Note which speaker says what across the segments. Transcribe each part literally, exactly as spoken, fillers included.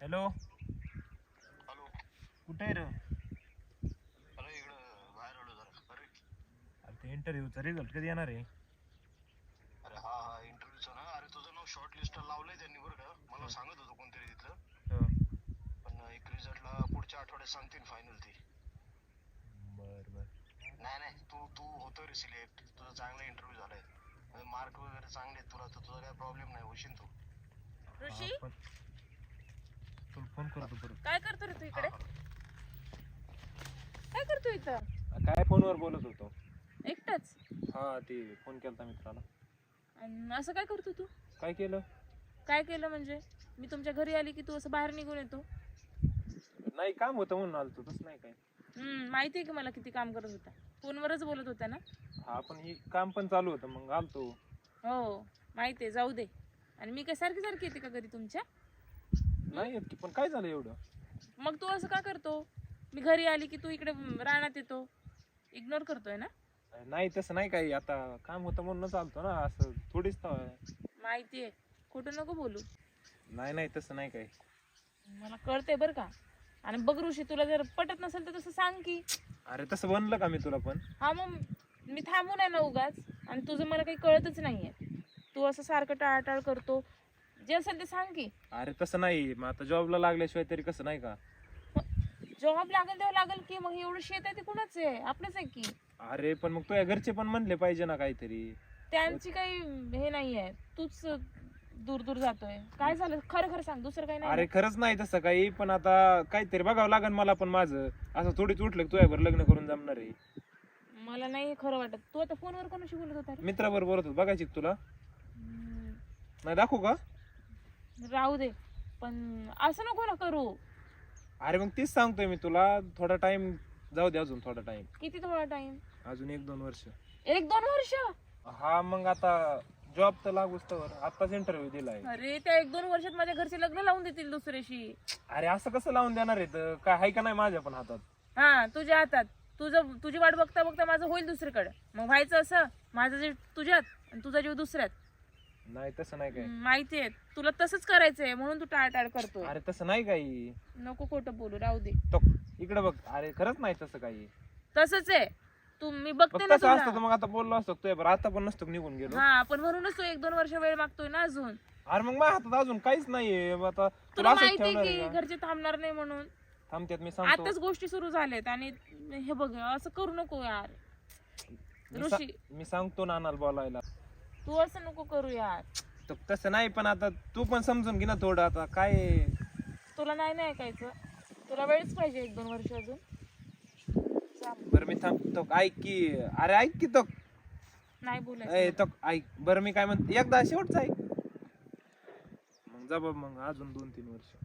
Speaker 1: Hello.
Speaker 2: Hello.
Speaker 1: कुठे आहे रे?
Speaker 2: अरे इकडं बाहेर आलो जरा. अरे
Speaker 1: अरे ते इंटरव्ह्यूचा रिझल्ट कधी येणार आहे?
Speaker 2: अरे हा हा इंटरव्ह्यूचं ना. अरे तुझं नाव शॉर्ट लिस्ट लावलंय त्यांनी बरं का. मला सांगत होतं कोणतरी तिथलं.
Speaker 1: हं.
Speaker 2: पण एक रिझल्टला पुढच्या आठवड्यात सांगतील फायनल ती.
Speaker 1: बर बर.
Speaker 2: नाही नाही तू तू होतो रे सिलेक्ट. तुझा चांगला इंटरव्ह्यू झालाय. मार्क वगैरे चांगले आहेत तुला, तर तुझा काय प्रॉब्लेम नाही, होशील तू.
Speaker 1: हा,
Speaker 3: ऋषी
Speaker 1: पण तुला फोन करतो परत.
Speaker 3: काय करतो रे तू इकडे? काय करतो इथं
Speaker 1: काय फोनवर बोलत होतो.
Speaker 3: एकटाच?
Speaker 1: हा ते फोन केलता मित्राला.
Speaker 3: अन असं काय करतो तू?
Speaker 1: काय केलं?
Speaker 3: काय केलं म्हणजे? मी तुमच्या घरी आली की तू असं बाहेर निघून येतो?
Speaker 1: नाही काम होतं म्हणून आलतो, तसं नाही काय.
Speaker 3: हम्म माहिती आहे की मला किती काम करत होता. फोनवरच बोलत होता ना?
Speaker 1: हा पण ही काम पण चालू होतं मग आलतो.
Speaker 3: हो माहिती आहे, जाऊ दे. आणि मी काय सारखी सारखी येते का घरी तुमच्या?
Speaker 1: नाही येत की, पण काय झालं एवढं?
Speaker 3: मग तू असं का करतो? मी घरी आली की तू इकडे रानात येतो. इग्नोर करतोय ना?
Speaker 1: नाही तसं नाही काही, आता काम होतं म्हणूनच आलतो ना, असं थोडीच तर.
Speaker 3: माहिती आहे, खोटं नको बोलू.
Speaker 1: नाही नाही तसं नाही काही.
Speaker 3: मला कळते बरं का. आणि बघ ऋषी, तुला जर पटत नसेल तर तसं सांग की.
Speaker 1: अरे तसं बनलं का मी तुला पण?
Speaker 3: हा मग मी थांबून आहे ना उगाच. आणि तुझं मला काही कळतच नाहीये. तू असं सारखं टाळाटाळ करतो. जे असेल ते सांग की.
Speaker 1: अरे तसं नाही, मग आता जॉबला लागल्याशिवाय तरी कसं, नाही का?
Speaker 3: जॉब लागेल तेव्हा लागेल की. मग एवढं शेत आहे ते कुणाच आहे? आपलंच आहे की.
Speaker 1: अरे पण मग तुझ्या घरचे पण म्हणले पाहिजे ना काहीतरी.
Speaker 3: त्यांची काही हे नाहीये. तूच दूर दूर जातोय. काय झालं खरं खरं सांग, दुसरं काही नाही
Speaker 1: अरे
Speaker 3: ना?
Speaker 1: खरंच नाही तसं काही, पण आता काहीतरी बघावं लागेल मला पण माझं. असं थोडीच उठलं की तुझ्यावर लग्न करून जमणार आहे.
Speaker 3: मला नाही हे खरं वाटत. तू आता फोनवर कोणाशी बोलत होता रे?
Speaker 1: मित्राबरोबर बोलत होतो, बघायची का तुला?
Speaker 3: हम्म,
Speaker 1: नाही दाखवू का?
Speaker 3: राहू दे. पण असं नको ना करू.
Speaker 1: अरे मग तीच सांगतोय मी तुला, थोडा टाइम जाऊ दे, अजून थोडा टाइम.
Speaker 3: किती थोडा टाइम?
Speaker 1: अजून एक दोन वर्ष.
Speaker 3: एक दोन वर्ष?
Speaker 1: हा मग आता जॉब तर लागूच तर, आताच इंटरव्ह्यू दिलाय.
Speaker 3: अरे त्या एक दोन वर्षात माझ्या घरचे लग्न लावून देतील दुसऱ्याशी.
Speaker 1: अरे असं कसं लावून देणार आहे? तर काय आहे का नाही माझ्या पण हातात?
Speaker 3: हा तुझ्या हातात. तुझं तुझी वाट बघता बघता माझं होईल दुसरीकडे. मग व्हायचं असं, माझं जीव तुझ्यात आणि तुझा जीव दुसऱ्यात.
Speaker 1: नाही तसं नाही काय.
Speaker 3: माहितीये तुला तसंच करायचंय म्हणून तू टाळटाळ करतोय.
Speaker 1: अरे तसं नाही काही.
Speaker 3: नको खोटं बोलू, राहू दे.
Speaker 1: तो इकडे बघ. अरे खरंच नाही तसं काही.
Speaker 3: तसंच आहे. तू मी बघते
Speaker 1: फक्त
Speaker 3: ना
Speaker 1: असं असतं तर
Speaker 3: तुला.
Speaker 1: मग आता बोललो असतो तुझ्या बरं, आता पण नसतो निघून गेलो.
Speaker 3: हा पण म्हणूनच तू एक दोन वर्ष वेळ मागतोय ना अजून.
Speaker 1: अरे मग माझ्या हातात अजून काहीच नाहीये. आता तुला
Speaker 3: तुला
Speaker 1: असंच
Speaker 3: माहितीये
Speaker 1: ठेवणार
Speaker 3: की
Speaker 1: आहे का?
Speaker 3: घरचे थांबणार नाही म्हणून.
Speaker 1: थांबत्यात मी सांगतो.
Speaker 3: आताच गोष्टी सुरू झाल्यात आणि हे बघ असं करू नको यार.
Speaker 1: मी सा-
Speaker 3: ऋषी
Speaker 1: मी सांगतो नानाला बोलायला.
Speaker 3: तू असं नको करू यार.
Speaker 1: तर तसं नाही, पण आता तू पण समजून घे ना थोडं. आता काय आहे?
Speaker 3: तुला नाही ना ऐकायचं. तुला वेळच पाहिजे एक दोन वर्ष अजून. चाल.
Speaker 1: बरं मी थांबतो. ऐक की. अरे ऐक की तो.
Speaker 3: नाही
Speaker 1: ए
Speaker 3: बोलायचं.
Speaker 1: तो ऐक. बरं मी काय म्हणतो, एकदा शेवटचं ऐक. मग जा बाबा, मग अजून दोन तीन वर्ष.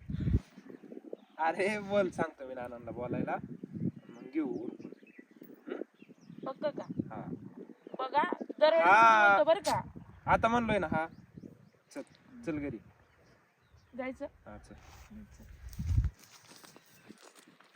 Speaker 1: अरे बोल, सांगतो मी नानांना बोलायला, मग घेऊ उरकून.
Speaker 3: पक्क का?
Speaker 1: हा
Speaker 3: बघा दरवेळेस
Speaker 1: हा.
Speaker 3: बोलतो बरं का.
Speaker 1: आता म्हणलोय ना. हा चल चल घरी.
Speaker 3: जायचं.
Speaker 1: हा चल.
Speaker 3: चल.